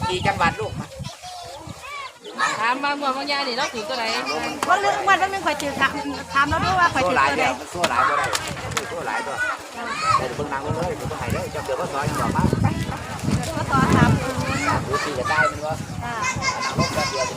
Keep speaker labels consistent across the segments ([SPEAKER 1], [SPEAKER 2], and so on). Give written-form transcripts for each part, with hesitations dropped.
[SPEAKER 1] กี่จังหวัดลูก
[SPEAKER 2] ถามบางบางยาดิเราถือตัวไหน
[SPEAKER 3] ว่าเรื่องวันนึงคอยถือถามแล้วด้วยว่าคอยถือตัวไหน
[SPEAKER 1] มันสู้หลายก็ได้สู้หลายตัวแต่เพิ่งนั่งเลยเพิ่งหายเลยจะเกิดว่าซอยยังบอกมา
[SPEAKER 3] ก็ต่อถาม
[SPEAKER 1] ดูสิจะได้มันวะนั่งรถแบบเดียว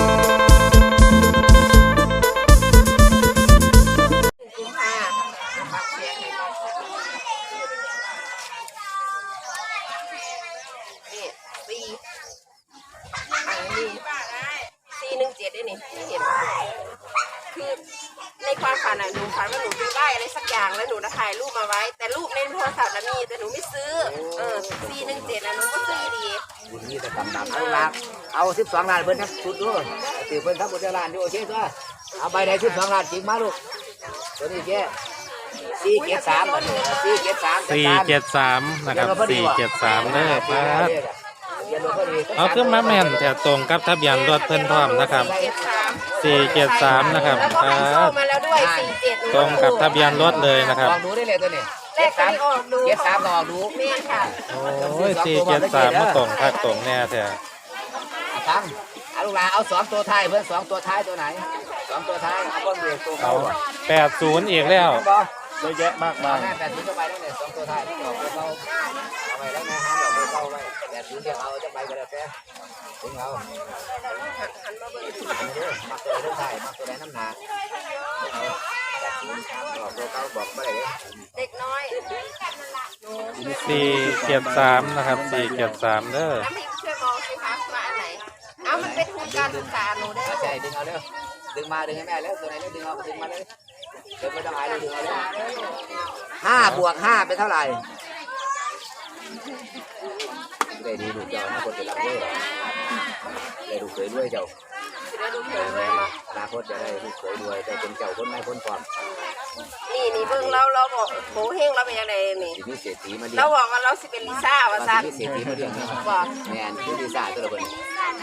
[SPEAKER 4] 417ได้นี่เห็นคือในความฝันหนูฝันว่าหนูไปได้อะไรสักอย่างแล้วหนูถ่ายรูปมาไว้แต่รูปในโทรศัพท์มีแต่หนูไม่ซื้อ417นะหนูก็ซื้อดี
[SPEAKER 1] นี่จะดำเอาล้านเอา12 ล้านเพิ่นทั้งชุดด้วยตีเพิ่นทั้งหมดล้านด้วยโอเคจ้ะเอาใบไหน12 ล้านจริงมาลูกตัวนี้แค่473
[SPEAKER 5] นะครับ473เด้อครับเอาขึ้นมาแม่นแต่ตรงกับทะเบียนรถเพิ่นพร้อมนะครับ473นะครับตรงกับทะเบียนรถเลยนะครับ
[SPEAKER 1] ลองดูได้เลยตัวนี้73ลองดู
[SPEAKER 4] แม่ค่ะ
[SPEAKER 5] โอ้ย473มาตรงคักตรงแน่แท้
[SPEAKER 1] ตั้งลูกหลานเอา2 ตัวท้ายเพิ่น2 ตัวท้ายตัวไหน2 ตัวท้ายเอาเบิ่งเบรกตัวเขา
[SPEAKER 5] 80อีกแล้ว
[SPEAKER 1] เยอะแยะมากมาย80จะไปแล้วเนี่ย2 ตัวท้ายที่บอกเราเอาไปแล้วนะฮะเราไปเข้าไว้80เดี๋ยวเอาจะไปก็ได้แค่ถึงเอามาตัวเรื่องไทยมาตัวแดงน้ำหนักบอกตัวเขาบอกไม่ได้
[SPEAKER 4] เด็กน้อย
[SPEAKER 5] 473นะครับ473เด้อ
[SPEAKER 4] น้ำพริกช่วยมองสิคะมาอันไหนเอามันเป็นทุนการศึกษาหนูได้
[SPEAKER 1] ใช่ดึงเอาเร็วดึงมาดึงให้แม่แล้วตัวไหนแล้วดึงเอาดึงมาเลยเดี๋ยวไม่ต้องอายเลยดึงเอาเลย5 บวก 5เป็นเท่าไหร่ได้ดีดูเจ้านะคนจะรับด้วยได้ดูเคยด้วยเจ้า
[SPEAKER 4] ได้ดูเคยด้วยมา
[SPEAKER 1] อนาคตจะได้ดูเคยด้วยแต่เป็นเจ้าคนไม่พ้นความ
[SPEAKER 4] นี่เบิ่งเราบอกโหเฮงเราเป็นยังไงนี่
[SPEAKER 1] มีเศรษฐีมาดิ
[SPEAKER 4] เราบอกว่าเราสิเป็นลิซ่าว่าซัน
[SPEAKER 1] มีเศรษฐีมาดิบอกแมนคือลิซ่าตัวละคน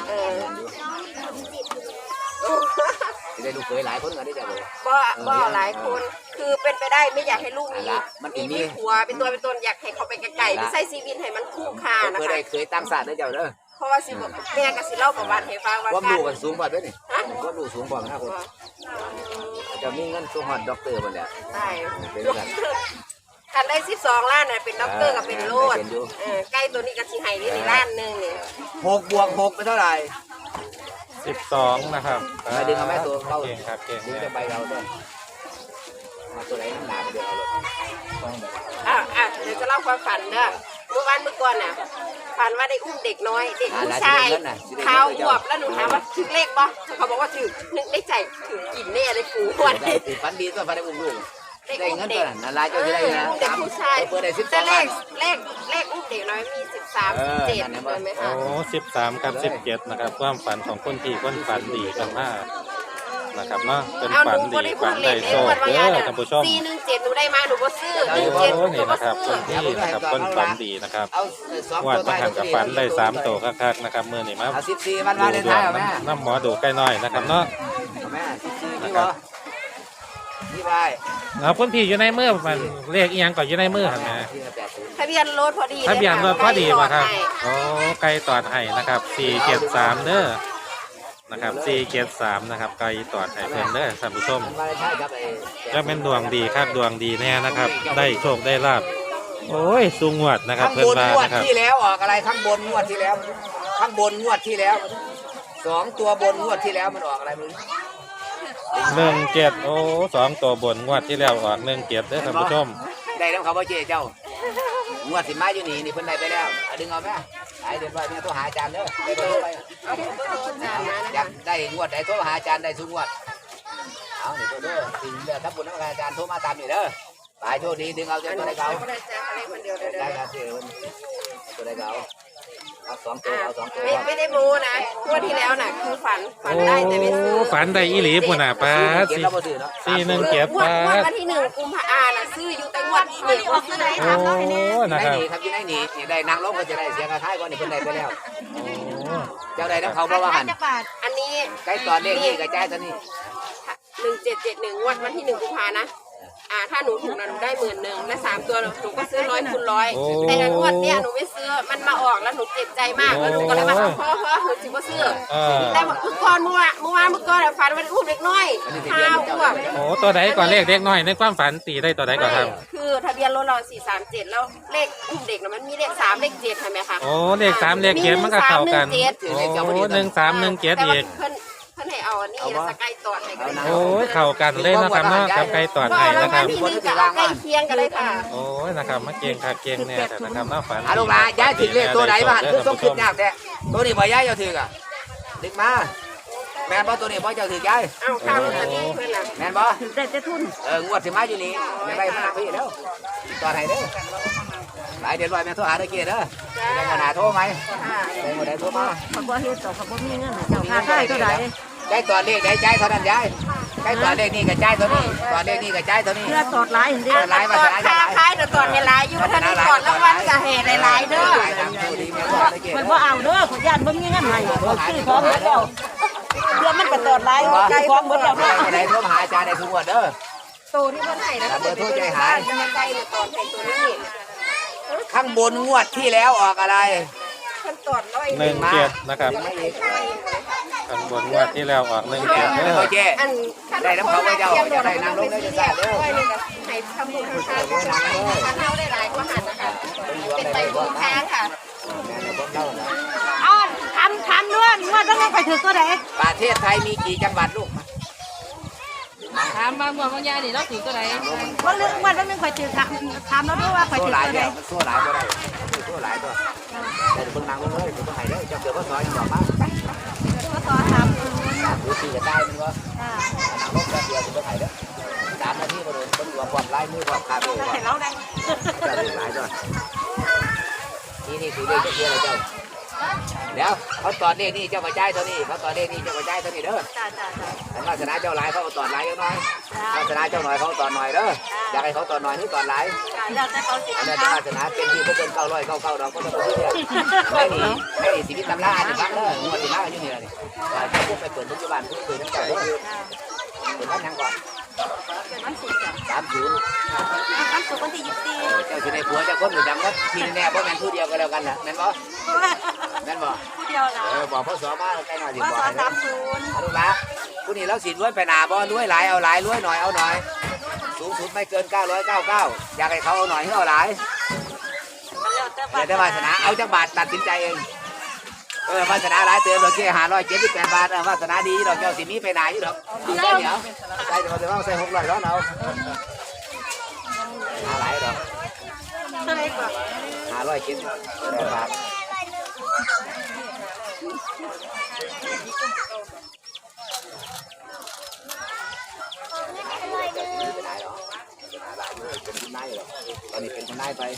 [SPEAKER 1] จะได้ดูเคยหลายคนกันได้เจ้าเลย
[SPEAKER 4] บ่หลายคนคือเป็นไปได้ไม่อยากให้ลูกมีผัวเป็นตัวเป็นตนอยากให้เขาไปไกลๆไม่ใช่ชีวิตให้มันคู่ค่านะคะ
[SPEAKER 1] เคยตั้งศาสตร์ได้เจ้าเด้อ
[SPEAKER 4] เพราะว่าสิแม่ก็สิเล่าประวัติให้ฟัง
[SPEAKER 1] ว่าดูกันสูงกว่าด้วยนี่ว่าดูสูงกว่านะคนจะมีเงินสูงหอดด็อกเตอร์มันแหละ
[SPEAKER 4] ใช่คันได้12 ล้านน่ะเป็นด็อกเตอร์กับเป็นโลดใกล้ตัวนี้ก็สิให้ได้1 ล้านนึงนี่
[SPEAKER 1] 6 บวก 6เป็นเท่าไหร่
[SPEAKER 5] 12นะครับ
[SPEAKER 1] ไปดึงเอาแม่ตัวเข้า
[SPEAKER 5] เก่งครับเก่ง
[SPEAKER 1] ดึงจะใบเราด้วยมาตัวไหนน้ำหนาเดี๋ยวเอาเลย
[SPEAKER 4] เดี๋ยวจะเล่าความฝันเด้อเมื่อวานเมื่อก่อนน่ะฝันว่าได้อุ้มเด็กน้อยเด็กผู้ชายเท้าหวบแล้วหนูถามว่าถึงเลขป่ะเขาบอกว่าถึงนึกได้ใจถึงกินแน่เลยกูวันนี้
[SPEAKER 1] ฝันดีก็ฝันได้อุ้มลูกได้เงินตัวนั้นนาลายเจ้าจะได้นะ
[SPEAKER 4] เด็กผู้ชาย
[SPEAKER 1] เปิดได้
[SPEAKER 4] 12 เลขอุ้มเด็กน้อยมี13 17เลยไหมคะ
[SPEAKER 5] โอ้13กับ17นะครับความฝันของคนที่คนฝันดีกันมากนะครับเนาะเป็นฝันดีฝันได้โชคเด้อท่านผู้ชม
[SPEAKER 4] 417หนูได้มาหนูก็ซื้อ
[SPEAKER 5] 17นี่นะครับคนที่นะครับคนฝันดีนะครับวาดประหันกับฝันได้3 ตัวคักๆนะครับมื้อนี้มา
[SPEAKER 1] 14วันวาเลนไทน์แม่
[SPEAKER 5] น้ำหมอดูใกล้น้อยนะครับเนาะ
[SPEAKER 1] แม่14นี่ไป
[SPEAKER 5] เอาคนพี่อยู่ในมือมันเลขอีหยังก่อนอยู่ในมือครับแม่
[SPEAKER 4] ทะเบียนรถพอดี
[SPEAKER 5] ทะเบียนรถพอดีป่ะครับโอ้ไกลตอดให้นะครับ473เด้อนะครับ473นะครับไกลตอดให้เพื่อนเด้อท่านผู้ชมก็เป็นดวงดีครับดวงดีแน่นะครับได้โชคได้ลาภโอ้ยสูงงวดนะครับ
[SPEAKER 1] เพื่อนบ้านนะครับที่แล้วออกอะไรข้างบนงวดที่แล้วข้างบนงวดที่แล้ว2 ตัวบนงวดที่แล้วมันออกอะไรมึง
[SPEAKER 5] 17โอ้2 ตัวบนงวดที่แล้วออก17เด้อท่านผู้ชม
[SPEAKER 1] ได้แล้วเขาบ่เจ๊เจ้างวดสิมาอยู่นี่เพิ่นได้ไปแล้วดึงเอาแม่ไอ้เดี๋ยวเนี่ยโทรหาอาจารย์เด้อได้เบอร์ไปอยากได้งวดได้โทรหาอาจารย์ได้ทุกงวดเอานี่ตัวเด้อถึงเดี๋ยวถ้าปุ่นนักอาจารย์โทรมาตามนี่เด้อไปโชคดีดึงเอาเจ้าตัวได้เก่าได้ครับเจ้าตัวได้เก่าเอา2 ตัวเอา2 ตัว
[SPEAKER 4] ไม่ได้โม้นะงวดที่แล้วน่ะคือฝันได้แต่ไม่ซื้อ
[SPEAKER 5] ฝันได้อีหลีปุ่นน่ะป้า417ป้า
[SPEAKER 4] วันที่1 กุมภาพันธ์น่ะซื้ออยู่แต่งวดที่1ว่าซื้อได้
[SPEAKER 5] ครับโอ้นะครับ
[SPEAKER 1] ครับอยู่ในนี่ได้นางลงก็จะได้เสียค่าท้ายก่อนนี่เพิ่นได้ไปแล้วเจ้าได้น้ำเขาบ่ว่าหั่น
[SPEAKER 4] อันนี้
[SPEAKER 1] ใกล้ตอนเลขนี่ก็จ่ายตอนนี้
[SPEAKER 4] 1771งวดวันที่1 กุมภาพันธ์นะถ้าหนูถูกนะหนูได้10,000และ3 ตัวหนูก็ซื้อ100 คูณ 100
[SPEAKER 5] โอ้
[SPEAKER 4] แต่งวดเนี้ยหนูไม่ซื้อมันมาออกแล้วหนูเจ็บใจมากแล้วหนูก็เลยว่าเพราะหนูจิบ่ซื้อแต่เมื่อก่อนเมื่อวานฝันว่าอุ้มเด็กน้อยข้าวอ้วก
[SPEAKER 5] โอ้ตัวใดก่อนเลขเด็กน้อยในความฝันตีได้ตัวใดก่อนครับ
[SPEAKER 4] คือทะเบียนรถเรา437แล้วเลขอุ้มเด็กนะมันมีเลข3เลข7ใช่ไหมคะ
[SPEAKER 5] โอ้เลข3เลข7มันก็เข้ากันโอ้1317อีก
[SPEAKER 4] เพิ่นให้เอาอันนี้แล้วสกายตอดให้กัน
[SPEAKER 5] โอ้ยเข้ากันเลยนะครับเนาะกับไก่ตอดไห้นะครับ
[SPEAKER 4] ที่นี่ก็เอาใกล้เคียงกันเลยค่ะ
[SPEAKER 5] โอ้ยนะครับมาเก่งค่ะเก่งเนี่ยแต่นะครับเนาะฝัน
[SPEAKER 1] ลูกหลานย้ายถึงเลขตัวไหนบ้างคือต้องคิดยากแต่ตัวนี้บ่ย้ายเจ้าถืออ่ะดึกมาแม่นบ่ตัวนี้บ่เจ้าถือย้าย
[SPEAKER 4] เอาข้าวอันนี้เพื่อนน่ะ
[SPEAKER 1] แม่นบ่
[SPEAKER 3] ได้แต่ทุน
[SPEAKER 1] งวดสิมาอยู่นี่ไม่ได้มาพี่เด้อตอนไหนเด้อหลายเดือนไว้แม่โทรหาตะเกียเด้อได้เงินหาโทรไหมได้หมดได้โทรมา
[SPEAKER 3] เขาบ่เฮ็ดต่อเขาบ่มีเงินเจ้าค่าค่ายเท่าไหร่
[SPEAKER 1] ได้ตอนเลขได้ใจเท่านั้นย้ายได้ตอนเลขนี่ก็ใจเท่านี้ตอนเลขนี่ก็ใจเท่านี้
[SPEAKER 3] เพื่อตอดหลายเห็นดิ
[SPEAKER 1] หลายมา
[SPEAKER 4] ตอ
[SPEAKER 1] ส
[SPEAKER 4] ด
[SPEAKER 1] ลาย
[SPEAKER 4] ค่าคล้ายแต่ตอดในหลายอยู่ท่านนี้ตอดรางวัลก็ให้หลายๆเด้อ
[SPEAKER 3] มันบ่เอาเด้อขอยานบ่มีเงินให้บ่ซื้อของหมดแล้วเพื่อมันก็ตอดหลายไก่ของหมดแล้วเนาะ
[SPEAKER 1] ได้โทรหาอาจารย์ได้ทุกงวดเด้อ
[SPEAKER 4] ตัวที่เพิ่นให้นะเบอร์โทรใจหายจะมาไกลเนี่ยตอดให้ตัวนี้
[SPEAKER 1] ข้างบนงวดที่แล้วออกอะไร
[SPEAKER 4] เพิ่นตอดร้อย
[SPEAKER 5] 17นะครับข้างบนงวดที่แล้วออก17เด้อ
[SPEAKER 1] โอเคได้น้ำเขาไว้เจ้าจะได้นั่งลงได้จะทราบเด้อ
[SPEAKER 4] ให้ทำบุญทางทางท่านเท่าได้หลายกว่าหันนะคะเป็นไปบุญทางค่ะ
[SPEAKER 3] อ้อนทำด้วยว่าต้องไปถือตัวไหน
[SPEAKER 1] ประเทศไทยมีกี่จังหวัดลูก
[SPEAKER 2] ถามบางวันบางยานี่เราถือตัวไหน
[SPEAKER 3] ว่าเรื่องว่าต้องข่อยถือถามแล้วด้วยว่าข่อย
[SPEAKER 1] โซ่
[SPEAKER 3] ถือ
[SPEAKER 1] หลาย
[SPEAKER 3] ตัวไหน
[SPEAKER 1] เดียวโซ่หลายก็ได้โซ่หลายตัวแต่เพิ่งนั่งลงเลยเพิ่งหายเด้อเจ้าเกิดพ่อซอยยังบอกมา
[SPEAKER 3] ก็ต่อถาม
[SPEAKER 1] ดูสีจะได้มันวะนั่งลงแป๊บเดียวเพิ่งหายเด้อ3 นาทีก็โดนเพิ่งรวมความไล่มือความขาดเลยว่า
[SPEAKER 3] เราได้
[SPEAKER 1] เจ้าหลายตัวนี่คือเลขเจ้าเกียร์อะไรเจ้าเดี๋ยวเขาตอนเลขนี่เจ้ามาจ่ายเท่านี้เขาตอนเลขนี่เจ้ามาจ่ายเท่านี้เด้อ
[SPEAKER 3] จ้า
[SPEAKER 1] แต่วาสนาเจ้าหลายเขาเอาตอนหลายยังน้อยวาสนาเจ้าหน่อยเขาตอนหน่อยเด้ออยากให้เขาตอนหน่อยหรือตอนหลาย
[SPEAKER 3] เราจะเขาสิ
[SPEAKER 1] อันนั้นวาสนาเป็นที่เพิ่น999ดอกก็ต้องซื้อเนี่ยไม่สิมีตำราอ่านฟังเด้องวดสิมาอยู่นี่ล่ะนี่จะพวกไปเปิดปัจจุบันเพิ่นเจ้าเด้อเปิดวันยังก่อน
[SPEAKER 3] เป็นวันศุกร์จ้ะ
[SPEAKER 1] 30
[SPEAKER 3] วันศุกร์วันที่24
[SPEAKER 1] เจ้าสิได้ผัวเจ้าคนอยู่จังว่าทีแน่บ่แม่นผู้เดียวก็แล้วกันน่ะแม่นบ่แม่นบ่
[SPEAKER 3] ผู้เดียวนะ
[SPEAKER 1] บอกพ่อสอมาใกล้หน่อยสิ
[SPEAKER 3] ว่า
[SPEAKER 1] บอก
[SPEAKER 3] สอน
[SPEAKER 1] ให้
[SPEAKER 3] 30
[SPEAKER 1] ลูกละผู้นี้เราสิรวยไปหนาบ่รวยหลายเอาหลายรวยหน่อยเอาหน่อยสูงสุดไม่เกิน999อยากให้เขาเอาหน่อยให้เอาหลายเดี๋ยวได้วาสนาเอาจักบาทตัดสินใจเองวาสนาหลายเติมดอกแค่578 บาทวาสนาดีดอกเจ้าสิมีไปไหนอยู่ดอกเอาใส่เดี๋ยวใส่เดี๋ยวใส่600ร้อนเอาหาหลายดอก
[SPEAKER 3] เท่าไหร่กว่า
[SPEAKER 1] 570 บาทเป็นคุณนายหรอตอนนี้เป็นคุณนายไป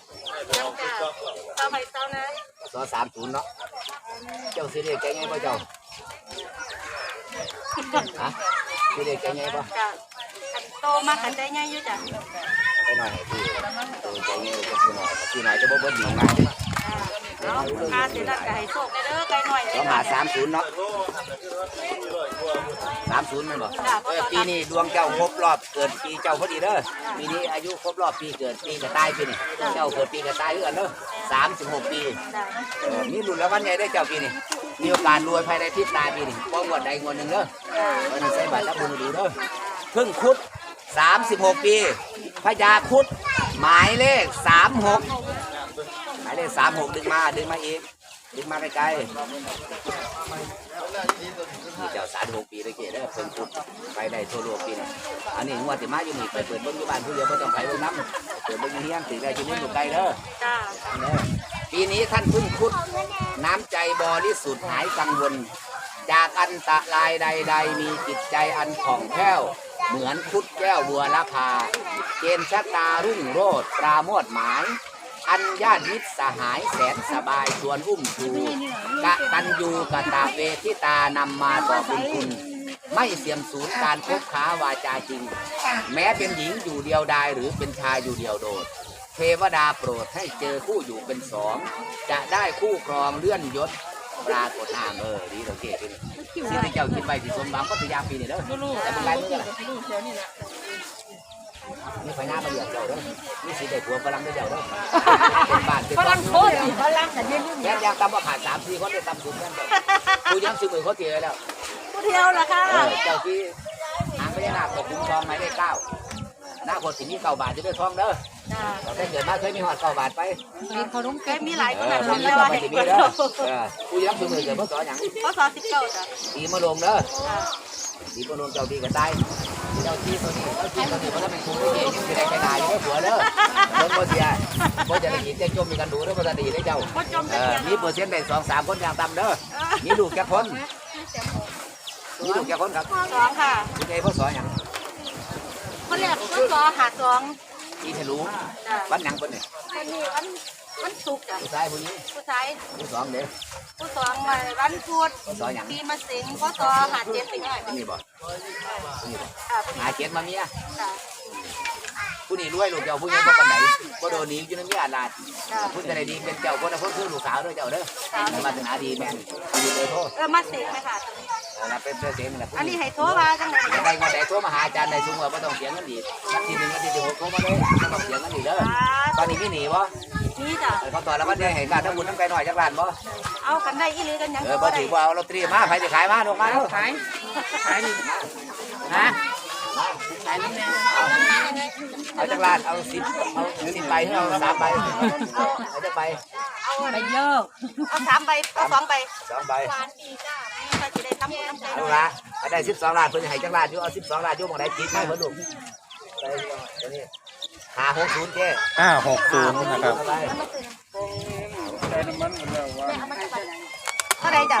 [SPEAKER 3] ต่อไปต่อนะ
[SPEAKER 1] ซอ30เนาะเจ้าสิเรียกแกไงป่ะเจ้าฮะสิเรียกแกไงป่ะ
[SPEAKER 3] จ้ะโตมากันได้ง่ายอยู่จ้ะ
[SPEAKER 1] ไปหน่อยพี่ตัวแกไงจะซื้อหน่อยซื้อหน่อยจะบ่เบิ้ลหนีง่าย
[SPEAKER 3] เอาค่าเสียหลักไก่โศกได้เด้อไก่หน่อย
[SPEAKER 1] ต้องหา30เนาะ30มันบ่ปีนี้ดวงเจ้าครบรอบเกิดปีเจ้าพอดีเด้อปีนี้อายุครบรอบปีเกิดปีกระต่ายปีนี้เจ้าเกิดปีกระต่ายเด้อเด้อ36 ปีนี่รุ่นแล้ววันใหญ่ได้เจ้าปีนี้มีโอกาสรวยภายในพริบตาปีนี้บ่งวดใดงวดหนึงเด้อวันนี้ใส่บาตรรับบุญดูเด้อพึ่งคุด36 ปีพญาคุดหมายเลข36หมายเลข36ดึงมาอีกดึงมาไกลๆนี่เจ้า36 ปีเลยเกศเด้อเพิ่งคุดไปได้ทั่วโลกปีนี้อันนี้งวดที่มาอยู่นี่ไปเปิดเบิ่งอยู่บ้านผู้เดียวบ่ต้องไปเบิ่งน้ำเปิดเบิ่งอยู่เฮียนสิได้ที่นี่อยู่ไกลเด้อ
[SPEAKER 3] จ้า
[SPEAKER 1] ปีนี้ท่านพึ่งคุดน้ำใจบริสุทธิ์หายกังวลจากอันตรายใดๆมีจิตใจอันผ่องแผ้วเหมือนคุดแก้วบัวละพาเกณฑ์ชะตารุ่งโรจน์ปราโมทย์หมายอันญาติมิตรสหายแสนสบายชวนอุ้มชูกะตันยูกะตะเวทิตานำมาต่อบุญคุณไม่เสื่อมสูญการคบค้าวาจาจริงแม้เป็นหญิงอยู่เดียวดายหรือเป็นชายอยู่เดียวโดดเทวดาโปรดให้เจอคู่อยู่เป็นสองจะได้คู่ครองเลื่อนยศปรากฏนามดีเราเก่งที่เจ้าคิดไปที่สมบังก็พยายามปีนี่เด้อ
[SPEAKER 2] ลูก
[SPEAKER 1] แต่เป็นไรเมื่อไหร่
[SPEAKER 2] ลูกเดี๋ยวนี่แหละ
[SPEAKER 1] มีพญามาเลี้ยงเจ้าเด้อมีสิได้ผัวฝรั่งได้เจ้าเด้อเป็นบ้านเป็น
[SPEAKER 3] ฝรั่งโคตรฝรั่งกันยืน
[SPEAKER 1] แม่ยังตำว่าขาด3-4คนได้ตำสุดแม่นกูยังซื้อมือเขาเตี๋ยแล้ว
[SPEAKER 3] ผู้เดียวล่ะค่ะ
[SPEAKER 1] เจ้าที่หางพญานาคตกคุ้มทองหมายเลข9หน้าคนสิมี9 บาทจะได้ทองเด้อเราได้เกิดมาเคยมีหอด9 บาทไป
[SPEAKER 2] มีเขาต้อง
[SPEAKER 3] แกมีหลายคน
[SPEAKER 1] ท
[SPEAKER 3] นะ
[SPEAKER 1] อง
[SPEAKER 3] เดี
[SPEAKER 1] นี้
[SPEAKER 3] ยว
[SPEAKER 1] ก็
[SPEAKER 3] ให้
[SPEAKER 1] ไม่สิมี
[SPEAKER 3] เปิด
[SPEAKER 1] เด้อกูยังซื้อมือเกิดเพราะสอหยัง
[SPEAKER 3] พศ19จ้ะ
[SPEAKER 1] ตีมาลงเด้อตีมาลงเจ้าที่ก็ตายเจ้าที่ตัวนี้เจ้าที่ตัวนี้เพราะถ้าเป็นคุ้มไม่เก่งยังไม่ได้ใครนายยังไม่ผัวเด้อเพิ่งบ่เสียบ่จะได้ยินจะจมมีกันดูเด้อบ่จะดีได้เจ้ามีเปอร์เซ็นต์ได้2-3 คนอย่างต่ำเด้อมีลูกแค่คนมีลูกแค่คนครับ
[SPEAKER 3] 2ค่ะ
[SPEAKER 1] ไงพ่อสอหยัง
[SPEAKER 3] คนแรกพศ52
[SPEAKER 1] ที่ทะลุวันหยังคนนี่
[SPEAKER 3] คนนี้วันศุกร์จ้ะ
[SPEAKER 1] ผู้ชายผู้นี้
[SPEAKER 3] ผู้ชาย
[SPEAKER 1] ผู้สองเด้อ
[SPEAKER 3] ผู้สองวันพุธ
[SPEAKER 1] พ่อสอหยัง
[SPEAKER 3] ปีมะเส็งพศ57ถึง
[SPEAKER 1] นี่บ่นี่บ่
[SPEAKER 3] ผู้นี้
[SPEAKER 1] หาเจ็ดมาเมีย
[SPEAKER 3] จ้ะ
[SPEAKER 1] ผู้นี้รวยลูกเจ้าผู้นี้บ่ปานใดบ่โดนหนีอยู่ในเมียอาลาดผู้ใดดีเป็นเจ้าคนนั้นคือลูกสาวเด้อเจ้าเด้อมาถึงหาดีแม่นดีเลยโทษ
[SPEAKER 3] มาเส็งไหมค่ะ
[SPEAKER 1] แล้วเป็นเพื่อนเสียงนี่แหละ
[SPEAKER 3] อันนี้ให้โทรมาจังได๋
[SPEAKER 1] ยังไงมาแต่โทรมาหาอาจารย์ได้สูงกว่าบ่ต้องเสียเงินอีกวันที่1วันที่16โทรมาเลยบ่ต้องเสียเงินอีกเด้อตอนนี้มีหนีบ่
[SPEAKER 3] นี่จ้ะ
[SPEAKER 1] เขาต่อแล้วมันได้เห็นการถ้าบุญน้ำไก่หน่อยจักล้านบ่
[SPEAKER 3] เอากันได้อีหลีกันยัง
[SPEAKER 1] บ่ถือว่าเอาลอตเตอรี่มาใครจะขายมาลงมาแล้ว
[SPEAKER 2] ขายดิฮะขายนี่แม่
[SPEAKER 1] เอาจักล้านเอา10ใบเอา3 ใบเอาจักใบ
[SPEAKER 2] ไปเยอะ
[SPEAKER 3] เอา3ใบเอา2ใบ
[SPEAKER 1] 2 ใบ
[SPEAKER 3] ก็สิได้ทำบุญน้ำใจ
[SPEAKER 1] เอาละเอาได้12 ล้านเพิ่นให้จักล้านอยู่เอา12 ล้านอยู่หม่องใดจิตมาเพิ่นลูกไปตัวนี้560เจ้
[SPEAKER 5] 560นะครับ
[SPEAKER 3] เท่าไรจ้ะ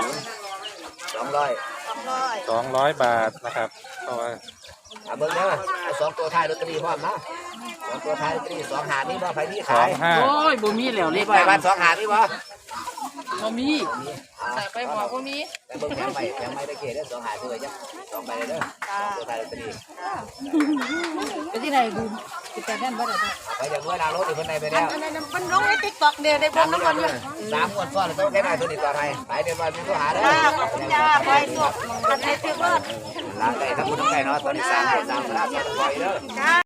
[SPEAKER 1] 200
[SPEAKER 5] 200 บาทนะครับเพราะว่า
[SPEAKER 1] เอาเบิ่งเด้อเอา2ตัวท้ายลอตเตอรี่พร้อมนะ2ตัวท้ายลอตเตอรี่2หามีบ่ไผมีขาย
[SPEAKER 2] โอ้ยบ่มีแล้วเล
[SPEAKER 1] มี
[SPEAKER 2] ข
[SPEAKER 1] บ่บ้าน2หามีบ่
[SPEAKER 2] บ่มีแต่ไปบอกบ่มี
[SPEAKER 1] แต่เบิ่งแพงไม่ได้เกศเด้อ2หาซื้อไว้จ้ะ2ใบเด้อ2ตัวท้ายลอตเตอรี่
[SPEAKER 2] ไปที่ไหนดูติดแต่นั่นบ่ได้
[SPEAKER 1] ไปจากเมื่อนารถอีกคนในไปแล้ว
[SPEAKER 3] อันนั้นมันลงใน TikTok เด้ได้บ่น้ำมันอยู่
[SPEAKER 1] 3 งวดซ้อนต้องแค่ได้ตัวนี้ต่อไปไปเดี๋ยววันนี้ก็หาได้
[SPEAKER 3] ขอบคุณจ้าไปสุกอันไหนถือว่า
[SPEAKER 1] ล้างได้ทั้งหมดทั้งไก่เนาะตอนนี้3 3 3 3 3 3 3 3
[SPEAKER 3] จ้า